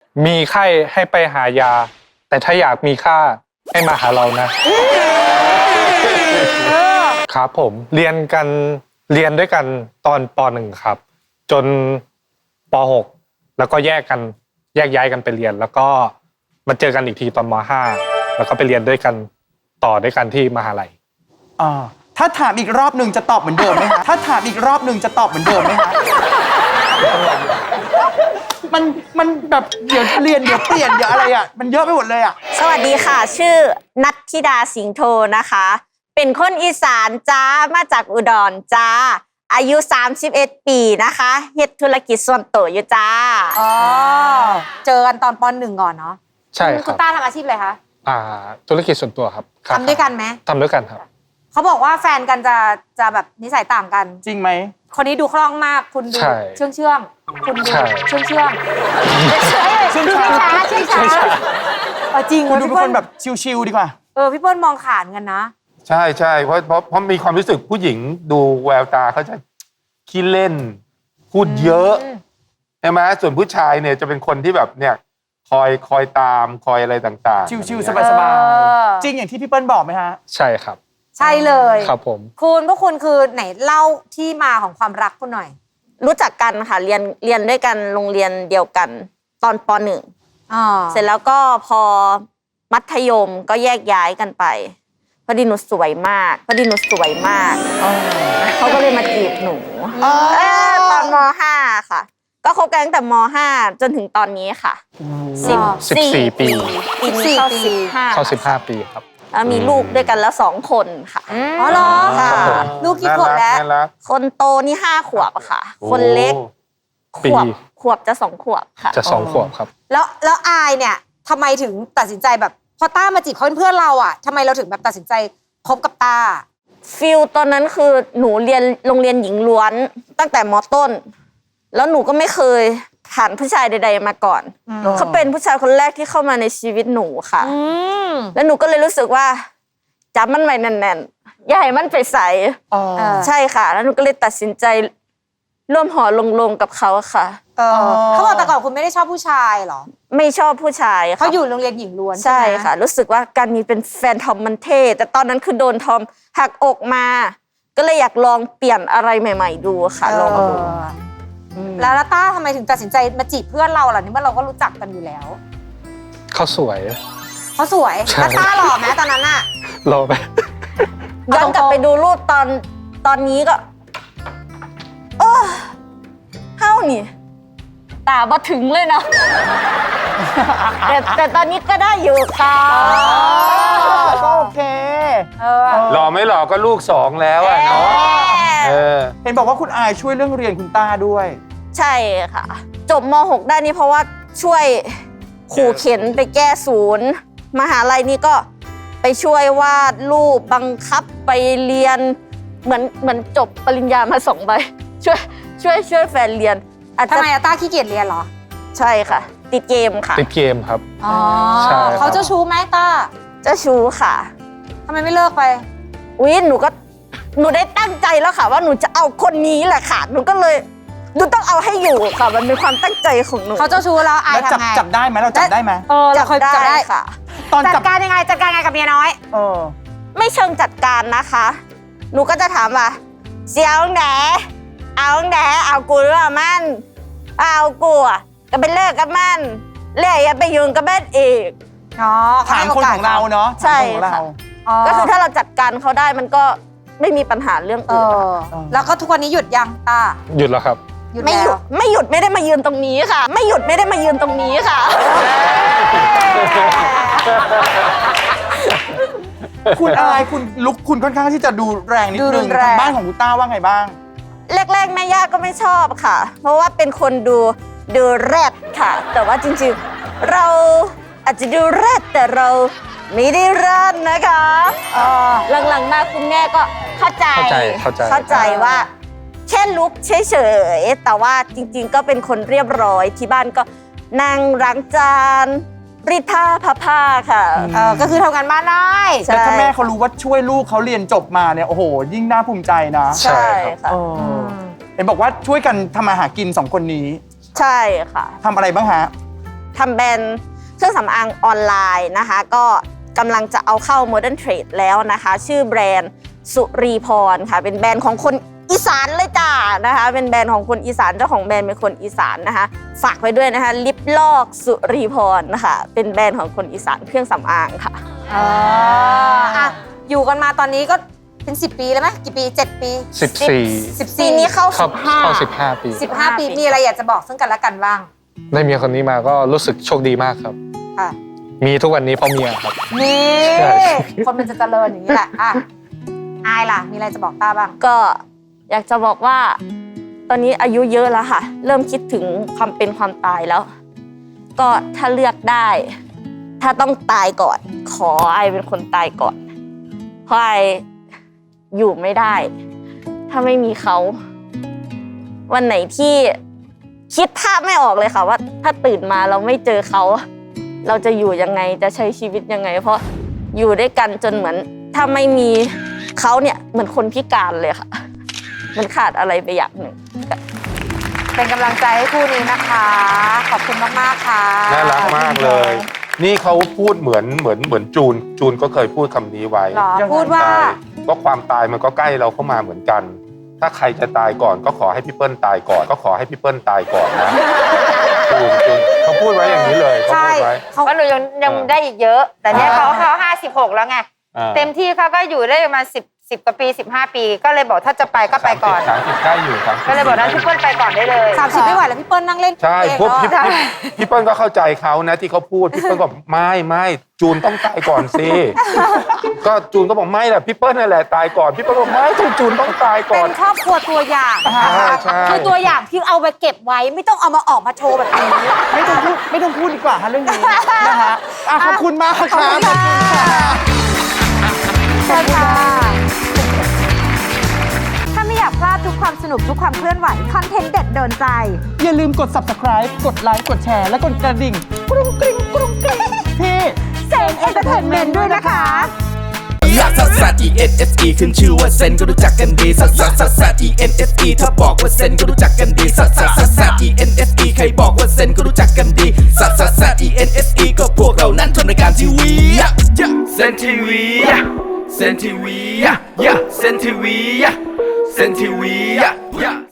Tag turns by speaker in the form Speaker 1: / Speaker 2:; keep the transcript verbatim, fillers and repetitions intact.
Speaker 1: มีไข้ให้ไปหายา แต่ถ้าอยากมีค่าให้มาหาเรานะ ครับผมเรียนกันเรียนด้วยกันตอนป.หนึ่ง ครับ จนป.หก แล้วก็แยกกันแยกย้ายกันไปเรียน แล้วก็มาเจอกันอีกทีตอนม.ห้า แล้วก็ไปเรียนด้วยกันต่อด้วยกันที่มหาลัย
Speaker 2: อ่าถ้าถามอีกรอบหนึ่งจะตอบเหมือนเดิมไหมคะถ้าถามอีกรอบหนึ่งจะตอบเหมือนเดิมไหมคะมันมันแบบเดี๋ยวเรียนเดี๋ยวเปลี่ยนเดี๋ยวอะไรอ่ะมันเยอะไปหมดเลยอ่ะ
Speaker 3: สวัสดีค่ะชื่อนัทธิดาสิงห์โทนะคะ เป็นคนอีสานจ้ามาจากอุดรจ้าอายุสามสิบเอ็ดปีนะคะเฮ็ดธุรกิจส่วนตัวอยู่จ้า
Speaker 4: อ๋อเจอกันตอนปหนึ่งก่อนเนาะ
Speaker 1: ใช่ค
Speaker 4: คุ
Speaker 1: รั
Speaker 4: ณ
Speaker 1: บ
Speaker 4: ต้าทำอาชีพอะไรคะ
Speaker 1: อ่าธุรกิจส่วนตัวครับ
Speaker 4: ทำด้วยกันไหม
Speaker 1: ทำด้วยกันครับ
Speaker 4: เขาบอกว่าแฟนกันจะจะแบบนิสัยต่างกัน
Speaker 2: จริงไหม
Speaker 4: คนนี้ดูคล่องมากคุณดู
Speaker 1: ใช่
Speaker 4: เชื่องเชื่องคุณดู
Speaker 1: ใช่
Speaker 4: เชื่องเชื่องเชื่อง
Speaker 2: เชื่อง
Speaker 4: ช้า
Speaker 2: ช้า
Speaker 4: เชื่องช้าเออจริง
Speaker 2: คุณดู
Speaker 4: พี่
Speaker 2: เป็น
Speaker 4: เปิ้
Speaker 2: ค
Speaker 4: ล
Speaker 2: นแบบชิวๆดีกว่า
Speaker 4: เออพี่เปิ้ลมองขาดกันนะ
Speaker 5: ใช่ใช่เพราะเพราะเพราะมีความรู้สึกผู้หญิงดูแววตาเขาจะขี้เล่น พูดเยอะใช่ไหมส่วนผู้ชายเนี่ยจะเป็นคนที่แบบเนี่ยคอยคอยตามคอยอะไรต่างๆ
Speaker 2: ชิวๆ
Speaker 5: อะไร
Speaker 2: ส
Speaker 5: เงี้ย
Speaker 2: บาย
Speaker 4: เออ
Speaker 2: ๆจริงอย่างที่พี่เปิ้ลบอกไหมฮะ
Speaker 1: ใช่ครับ
Speaker 4: ใช่เลย
Speaker 1: ครับผม
Speaker 4: คุณพวกคุณคือไหนเล่าที่มาของความรักคุณหน่อย
Speaker 3: รู้จักกันค่ะเรียนเรียนด้วยกันโรงเรียนเดียวกันตอนป.หนึ่ง
Speaker 4: อ๋อ
Speaker 3: เสร็จแล้วก็พอมัธยมก็แยกย้ายกันไปพอดีหนูสวยมากพอดีหนูสวยมากเขาก็เลยมาจีบหนูเออตอนม.ห้า ค่ะ ก็คบกันตั้งแต่ม.ห้า จนถึงตอนนี้ค่ะสิบ
Speaker 1: สิบสี่ปี
Speaker 3: ปีนี้เข้าสิบห้า
Speaker 1: เข้าสิบห้าปีครับ
Speaker 3: แล้วมีลูกด้วยกันแล้วสองคนค่ะ
Speaker 4: อ๋อเหรอ
Speaker 3: ค่ะ
Speaker 4: ลูกกี่ขวบแล้ว
Speaker 5: น่ารัก
Speaker 3: คนโตนี่ห้าขวบค่ะ
Speaker 5: โอ้
Speaker 3: คนเล็กข
Speaker 1: ปี
Speaker 3: วบขวบจะสองขวบค่ะ
Speaker 1: จะสองขวบครับ
Speaker 4: แล้วแล้วอายเนี่ยทำไมถึงตัดสินใจแบบพอต้ามาจีบเขาเป็นเพื่อนเราอ่ะทำไมเราถึงแบบตัดสินใจคบกับต้า
Speaker 3: ฟิลตอนนั้นคือหนูเรียนโรงเรียนหญิงล้วนตั้งแต่ม.ต้น แล้วหนูก็ไม่เคยผ่านผู้ชายใดๆมาก่อน เขาเป็นผู้ชายคนแรกที่เข้ามาในชีวิตหนูค่ะ
Speaker 4: อืม
Speaker 3: แล้วหนูก็เลยรู้สึกว่าจับมันไว้แน่นๆอย่าให้มันไปใส
Speaker 2: อ๋อ
Speaker 4: เออ
Speaker 3: ใช่ค่ะ แล้วหนูก็เลยตัดสินใจร่วมหอลงๆกับเขาค่ะ
Speaker 4: เออเขาบอกแต่ก่อนคุณไม่ได้ชอบผู้ชายเหรอ
Speaker 3: ไม่ชอบผู้ชายค่ะ
Speaker 4: เขาอยู่โรงเรียนหญิงล้วน
Speaker 3: ใช่
Speaker 4: ไหม
Speaker 3: ค่ะ รู้สึกว่าการมีเป็นแฟนทอมมันเท่แต่ตอนนั้นคือโดนทอมหักอกมา ก็เลยอยากลองเปลี่ยนอะไรใหม่ ๆ ดูค่ะลอง
Speaker 4: เอ
Speaker 3: ดู
Speaker 4: อแล้วแล้วต้าทำไมถึงตัดสินใจมาจีบเพื่อนเราล่ะนี่เมื่อเราก็รู้จักกันอยู่แล้ว
Speaker 1: เขาสวย
Speaker 4: เขาสวย
Speaker 1: ใช่
Speaker 4: แล้วต้าหล่อไหมตอนนั้นอะ
Speaker 1: รอไป
Speaker 3: ย้อนกลับไปดูรูปตอนตอนนี้ก็โอ้เฮ้านี่ ตาบ่ถึงเลยเนาะ แต่แต่ตอนนี้ก็ได้อยู่ค่ะ
Speaker 2: ก็โอเค
Speaker 4: เออ
Speaker 5: หล่อไม่หล่อก็ลูกสองแล้วอะเนาะเออ
Speaker 2: เห็นบอกว่าคุณอายช่วยเรื่องเรียนคุณต้าด้วย
Speaker 3: ใช่ค่ะ จบม หก ได้นี่เพราะว่าช่วยขู่เข็นไปแก้ศูนย์ มหาลัยนี่ก็ไปช่วยวาดรูปบังคับไปเรียนเหมือนเหมือนจบปริญญามาสองใบช่วยช่วยช่วยแฟนเรียนอาจ
Speaker 4: ทำ
Speaker 3: จะ
Speaker 4: ไมอะต้าขี้เกียจเรียนเหรอ
Speaker 3: ใช่ค่ะ ติดเกมค่ะ
Speaker 1: ติดเกมครับ
Speaker 4: อ๋อ
Speaker 1: ใช่ครับ
Speaker 4: เขาเจ้าชู้ไหมต้า
Speaker 3: เจ้าชู้ค่ะ
Speaker 4: ทำไมไม่เลิกไป
Speaker 3: อุ๊ยหนูก็หนูได้ตั้งใจแล้วค่ะ ว่าหนูจะเอาคนนี้แหละค่ะ หนูก็เลยหนูต้องเอาให้อยู่ค่ะ มันเป็นความตั้งใจของหนู
Speaker 4: เขาเจ้าชู้แล้วอาย
Speaker 2: แล้วจับ
Speaker 4: ทำไง
Speaker 2: จับได้ไหมเราจับได้ไหม
Speaker 4: เออเราเคยจับได้
Speaker 3: ค่ะ
Speaker 2: ตอน
Speaker 4: จั
Speaker 2: จั
Speaker 4: ด
Speaker 2: บ
Speaker 4: การยังไงจัดการยังไงกับเมียน้อย
Speaker 2: เออ
Speaker 3: ไม่เชิงจัดการนะคะ หนูก็จะถามว่าเสียเอาแหนเอาแหนเอากูหรือว่ามันเอากูอ่ะก็ไปเลิกกับมันเลิกอย่าไปยุ่งกับมันอีก
Speaker 4: อ๋อ
Speaker 2: ถามคนของเราเนาะ
Speaker 3: ใช่
Speaker 2: ถามคนของเรา
Speaker 3: ค่ะ ก็คือถ้าเราจัดการเขาได้มันก็ไม่มีปัญหาเรื่อง
Speaker 4: เอ
Speaker 3: อื่น
Speaker 4: อ
Speaker 2: เออ
Speaker 4: แล้วก็ทุกวันนี้หยุดยังต้า
Speaker 1: หยุดแล้วครับ
Speaker 4: หยุด
Speaker 3: ไม่ห
Speaker 4: แล้
Speaker 3: ยุ
Speaker 4: ว
Speaker 3: ดไม่หยุดไม่ได้มายืนตรงนี้ค่ะ ไม่หยุดไม่ได้มายืนตรงนี้ค่ะ
Speaker 2: คุณอายคุณลุกคุณค่อนข้างที่จะดูแรงนิด
Speaker 4: ดู
Speaker 2: นึ
Speaker 4: รุ
Speaker 2: ง
Speaker 4: นแรง
Speaker 2: ทางบ้านของคุณต้าว่าไงบ้าง
Speaker 3: แรกๆแม่ย่าก็ไม่ชอบค่ะ เพราะว่าเป็นคนดูดูแรดค่ะ แต่ว่าจริงๆ เราอาจจะดูแรดแต่เราไม่ได้แรดนะคะหลังๆมาคุณแม่ก็เข้าใจ
Speaker 1: เข้าใจเข้าใจ
Speaker 3: เข้าใจว่าแค่ลุกเฉยๆแต่ว่าจริงๆ ก็เป็นคนเรียบร้อยที่บ้านก็นั่งล้างจานรีดผ้าพับผ้าค่ะ
Speaker 4: เออก็คือทำงานบ้านได้
Speaker 3: ใช่
Speaker 2: แล้วถ้าแม่เขารู้ว่าช่วยลูกเขาเรียนจบมาเนี่ยโอ้โห ยิ่งน่าภูมิใจนะ
Speaker 3: ใช่ค่ะ
Speaker 2: เออเห็นบอกว่าช่วยกันทำมาหากินสองคนนี้
Speaker 3: ใช่ค่ะ
Speaker 2: ทำอะไรบ้างฮะ
Speaker 3: ททำแบรนด์เครื่องสำอางออนไลน์นะคะก็กำลังจะเอาเข้า Modern Trade แล้วนะคะชื่อแบรนด์สุรีพรค่ะเป็นแบรนด์ของคนอีสานเลยจ้านะคะเป็นแบรนด์ของคนอีสานเจ้าของแบรนด์เป็นคนอีสานนะคะฝากไว้ด้วยนะคะลิปลอกสุรีพรนะคะเป็นแบรนด์ของคนอีสานเครื่องสำอางค่ะ
Speaker 4: อ๋ออ่ะอยู่กันมาตอนนี้ก็เป็นสิบปีแล้วไหมกี่ปีเจ็ดปี
Speaker 1: สิบสี่
Speaker 4: สิบ
Speaker 3: ปี
Speaker 4: สี่
Speaker 3: นี้เข้า
Speaker 1: เข้า
Speaker 3: สิบห้า
Speaker 1: เข้าสิบห้าปี
Speaker 4: สิบห้าปีมีอะไรอยากจะบอกซึ่งกันและกันบ้าง
Speaker 1: ได้เมียคนนี้มาก็รู้สึกโชคดีมากครับ
Speaker 4: ค่ะ
Speaker 1: มีทุกวันนี้เพราะเมียครับ
Speaker 4: นี่
Speaker 1: ใช่
Speaker 4: คนมันจะเจริญอย่างนี้แหละอ่ะอายล่ะมีอะไรจะบอกต้าบ้าง
Speaker 3: ก็อยากจะบอกว่า ตอนนี้อายุเยอะแล้วค่ะ เริ่มคิดถึงความเป็นความตายแล้ว ก็ถ้าเลือกได้ ถ้าต้องตายก่อน ขอไอเป็นคนตายก่อน เพราะไออยู่ไม่ได้ ถ้าไม่มีเขา วันไหนที่คิดภาพไม่ออกเลยค่ะว่า ถ้าตื่นมาเราไม่เจอเขา เราจะอยู่ยังไงจะใช้ชีวิตยังไง เพราะอยู่ด้วยกันจนเหมือน ถ้าไม่มีเขาเนี่ยเหมือนคนพิการเลยค่ะ มันขาดอะไรไปอย่างหนึ่ง
Speaker 4: เป็นกำลังใจให้คู่นี้นะคะ ขอบคุณมากๆค่ะ
Speaker 5: น่ารักมากเลย นี่เขาพูดเหมือนเหมือนเหมือนจูน จูนก็เคยพูดคำนี้ไว้
Speaker 4: หรอพูดว่า
Speaker 5: ใช่ก็ความตายมันก็ใกล้เราเข้ามาเหมือนกัน ถ้าใครจะตายก่อนก็ขอให้พี่เปิ้ลตายก่อน ก็ขอให้พี่เปิ้ลตายก่อนนะจูนจูนเขาพูดไว้อย่างนี้เลยเขา
Speaker 4: ใช่
Speaker 5: พูดไว้
Speaker 4: เขา
Speaker 6: เพราะหนูยังยัง
Speaker 5: เออ
Speaker 6: ได้อีกเยอะ แต่เนี่ย
Speaker 5: อ่า
Speaker 6: เขาเขาห้าสิบหกแล้วไง
Speaker 5: อ่า
Speaker 6: เต็มที่เขาก็อยู่ได้ประมาณสิบสิบกว่าปีสิบห้าปี ก็เลยบอกถ้าจะไปก็ไปก่อน
Speaker 5: สามสิบใกล้อยู่สามสิบ
Speaker 6: ก็เลยบอกนั้นพี่เปิ้ลไปก่อนได้เลย
Speaker 4: สามสิบไม่ไหวแล้วพี่เปิ้ลนั่งเล่น
Speaker 5: ใช่
Speaker 4: เอง
Speaker 5: พวกพี่
Speaker 4: แล้ว
Speaker 5: พี่พี่เปิ้ลก็เข้าใจเขานะที่เขาพูดพี่เปิ้ลก็บอกไม่ไม่จูนต้องตายก่อนสิก็จูนก็บอกไม่แหละพี่เปิ้ลนั่นแหละตายก่อนพี่เปิ้ลบอกไม่ต้องจูนต้องตายก่
Speaker 4: เป็
Speaker 5: อน
Speaker 4: นครอบครัวตัวอย่างนะคะ
Speaker 5: ใช่ใช่
Speaker 4: คือตัวอย่างที่เอาไปเก็บไว้ไม่ต้องเอามาออกมาโชว์แบบนี้
Speaker 2: ไม่ต้องพูดไม่ต้องพูดดีกว่าฮะเรื่องนี้นะคะอ่ะขอบคุณมากครับ
Speaker 4: ขอบคุณค่ะเชิญค่ะ ถ้าไม่อยากพลาดทุกความสนุกทุกความเคลื่อนไหว คอนเทนต์เด็ดโดนใจ
Speaker 2: อย่าลืมกด subscribe กดไลค์กดแชร์และกดกระดิ่งกรุงกริ๊งกรุงกริ๊งที่
Speaker 4: เซนเอนเตอร์เทนเมนต์ด้วยนะคะ
Speaker 7: ลักซัสซัส E N S E ขึ้นชื่อว่าเซนก็รู้จักกันดีซัสซัสซัสซัส E N S E ถ้าบอกว่าเซนก็รู้จักกันดีซัสซัสซัสซัส E N S E ใครบอกว่าเซนก็รู้จักกันดีซัสซัสซัส E N S E ก็พวกเรานั้นทำรายการทีวีเซนทีวีเซนทีวีเซนทีวีเซนทีวี